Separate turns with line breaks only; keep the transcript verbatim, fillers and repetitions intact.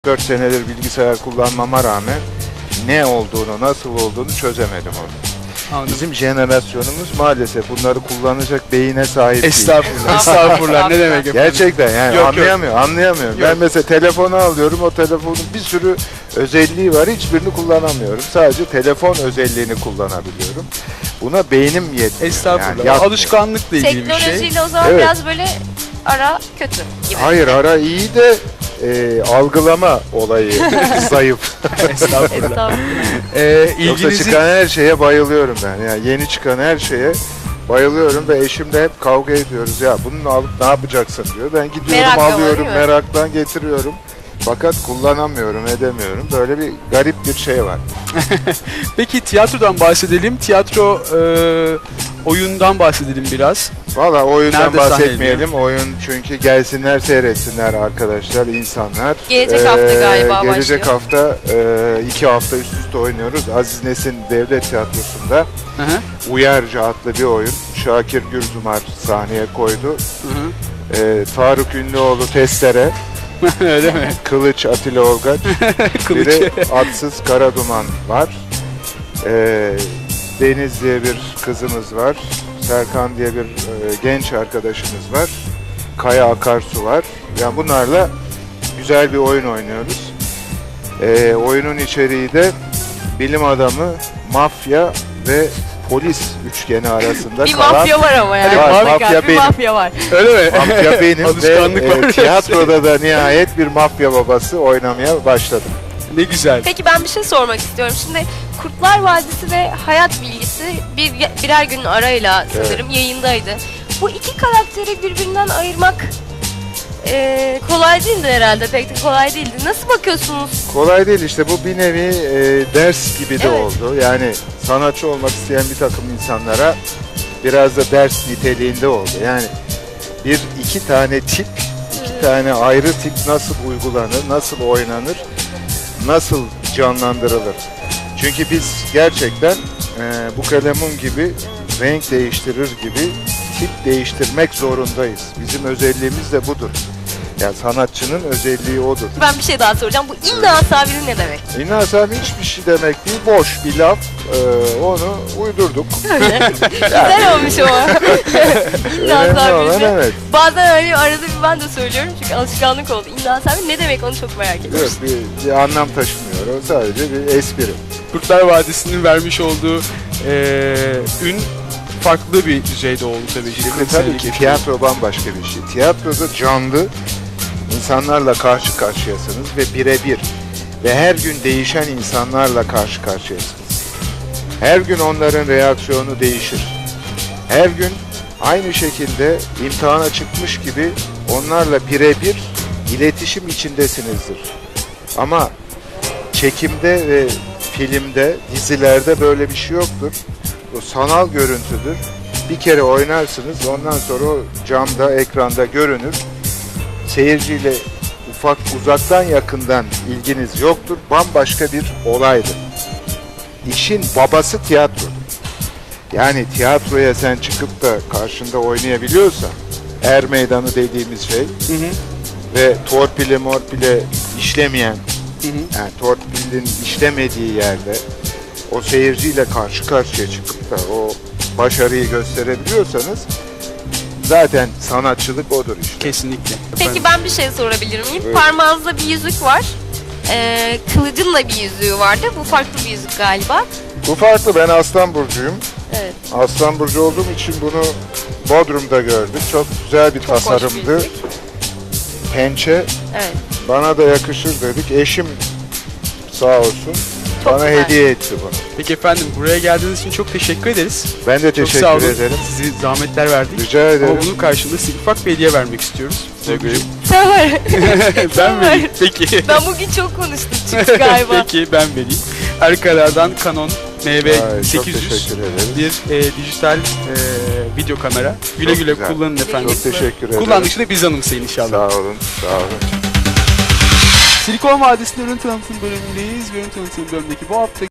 dört senedir bilgisayar kullanmama rağmen ne olduğunu, nasıl olduğunu çözemedim onu.
Anladım.
Bizim jenerasyonumuz maalesef bunları kullanacak beyine sahip değil.
Estağfurullah, estağfurullah. Ne demek efendim?
Gerçekten yani
Yok,
anlayamıyor, anlayamıyorum.
Yok.
Ben mesela telefonu alıyorum, o telefonun bir sürü özelliği var, hiçbirini kullanamıyorum. Sadece telefon özelliğini kullanabiliyorum. Buna beynim yetmiyor.
Estağfurullah.
Yani yapmıyor.
Alışkanlıkla ilgili bir şey.
Teknolojiyle o zaman
Evet.
biraz böyle ara kötü gibi.
Hayır, ara iyi de e, algılama olayı zayıf.
Estağfurullah.
Estağfurullah.
Ee,
Yoksa
ilginizi...
çıkan her şeye bayılıyorum ben. Yani yeni çıkan her şeye bayılıyorum ve eşimle hep kavga ediyoruz. Ya bunu alıp ne yapacaksın diyor. Ben gidiyorum,
Merakla var,
alıyorum,
değil mi?
meraktan getiriyorum. Fakat kullanamıyorum, edemiyorum. Böyle bir garip bir şey var.
Peki tiyatrodan bahsedelim. Tiyatro e, oyundan bahsedelim biraz.
Valla oyundan
Nerede
bahsetmeyelim. Oyun çünkü gelsinler seyretsinler arkadaşlar, insanlar.
Gelecek hafta galiba
Gelecek
başlıyor.
hafta e, iki hafta üst üste oynuyoruz. Aziz Nesin Devlet Tiyatrosu'nda
Hı hı.
Uyarca adlı bir oyun. Şakir Gürzumar sahneye koydu.
Hı hı.
E, Faruk Ünlüoğlu Testere,
Öyle mi?
Kılıç Atilla Olgaç, bir de Atsız Karaduman var. E, Deniz diye bir kızımız var. Serkan diye bir e, genç arkadaşımız var. Kaya Akarsu var. Yani bunlarla güzel bir oyun oynuyoruz. E, oyunun içeriği de bilim adamı, mafya ve polis üçgeni arasında
Bir
kalan
mafya var ama yani.
Var,
Muhakkak
mafya
bir
benim.
mafya var.
Öyle mi?
mafya benim ve
Alışkanlık var.
e, tiyatroda da nihayet bir mafya babası oynamaya başladım.
Ne güzel.
Peki ben bir şey sormak istiyorum. Şimdi Kurtlar Vadisi ve Hayat Bilgisi bir, birer günün arayla sanırım yayındaydı. Bu iki karakteri birbirinden ayırmak eee, kolay değildi herhalde. Pek de kolay değildi. Nasıl bakıyorsunuz?
Kolay değil işte, bu bir nevi e, ders gibi de
Evet.
oldu. Yani sanatçı olmak isteyen bir takım insanlara biraz da ders niteliğinde oldu. Yani bir iki tane tip, iki tane ayrı tip nasıl uygulanır, nasıl oynanır, nasıl canlandırılır. Çünkü biz gerçekten e, bu kalemun gibi renk değiştirir gibi tip değiştirmek zorundayız. Bizim özelliğimiz de budur. Yani sanatçının özelliği odur.
Ben bir şey daha soracağım. Bu imla sabiri ne demek?
İnnas abi hiçbir şey demek değil, boş bir laf. Ee, onu uydurduk.
Öyle. Güzel olmuş ama. İmla
Önemli olan
sabiri.
evet.
Bazen öyle arada bir ben de söylüyorum çünkü alışkanlık oldu. İmla sabiri ne demek onu çok merak ediyorum.
Yok, bir, bir anlam taşımıyor. O sadece bir espri.
Kurtlar Vadisi'nin vermiş olduğu e, ün farklı bir düzeyde oldu tabii ki.
Şimdi
kırk
tabii
senelik
ki
yaşam.
tiyatro bambaşka bir şey. Tiyatroda canlı insanlarla karşı karşıyasınız ve birebir ve her gün değişen insanlarla karşı karşıyasınız. Her gün onların reaksiyonu değişir. Her gün aynı şekilde imtihana çıkmış gibi onlarla birebir iletişim içindesinizdir. Ama çekimde ve filmde, dizilerde böyle bir şey yoktur. O sanal görüntüdür. Bir kere oynarsınız, ondan sonra o camda, ekranda görünür. Seyirciyle ufak, uzaktan yakından ilginiz yoktur. Bambaşka bir olaydır. İşin babası tiyatrodur. Yani tiyatroya sen çıkıp da karşında oynayabiliyorsan, er meydanı dediğimiz şey
Hı hı.
ve torpile morpile işlemeyen,
Hı hı.
yani torpilin işlemediği yerde o seyirciyle karşı karşıya çıkıp da o başarıyı gösterebiliyorsanız zaten sanatçılık odur işte.
Kesinlikle.
Peki ben bir şey sorabilir miyim?
Buyurun.
Parmağınızda bir yüzük var. Ee, kılıcın da bir yüzüğü vardı. Bu farklı bir yüzük galiba.
Bu farklı, ben Aslan Burcu'yum.
Evet.
Aslan Burcu olduğum için bunu Bodrum'da gördük. Çok güzel bir
Çok hoş bir
tasarımdı.
yüzük.
Pençe
Evet.
bana da yakışır dedik. Eşim sağ olsun
Çok
bana
güzel.
hediye etti bunu.
Peki efendim, buraya geldiğiniz için çok teşekkür ederiz.
Ben de
Çok sağ
teşekkür
olun.
ederim.
Sizi zahmetler verdik.
Rica ederim.
Ama bunun karşılığında size ufak bir hediye vermek istiyoruz.
Tabii.
Sen var.
Ben vereyim. Peki.
Ben bugün çok konuştum çünkü galiba.
Peki ben vereyim. Arkalardan Canon M V
Ay, çok
sekiz yüz
teşekkür ederim.
bir e, dijital e, video kamera. Güle
Çok
güle
güzel.
kullanın efendim.
Çok teşekkür ederim.
Kullandıkça da biz anımsayın inşallah.
Sağ olun, sağ olun.
Silikon Vadisi'nin ürün tanıtım bölümündeyiz. Ürün tanıtım bölümündeki bu hafta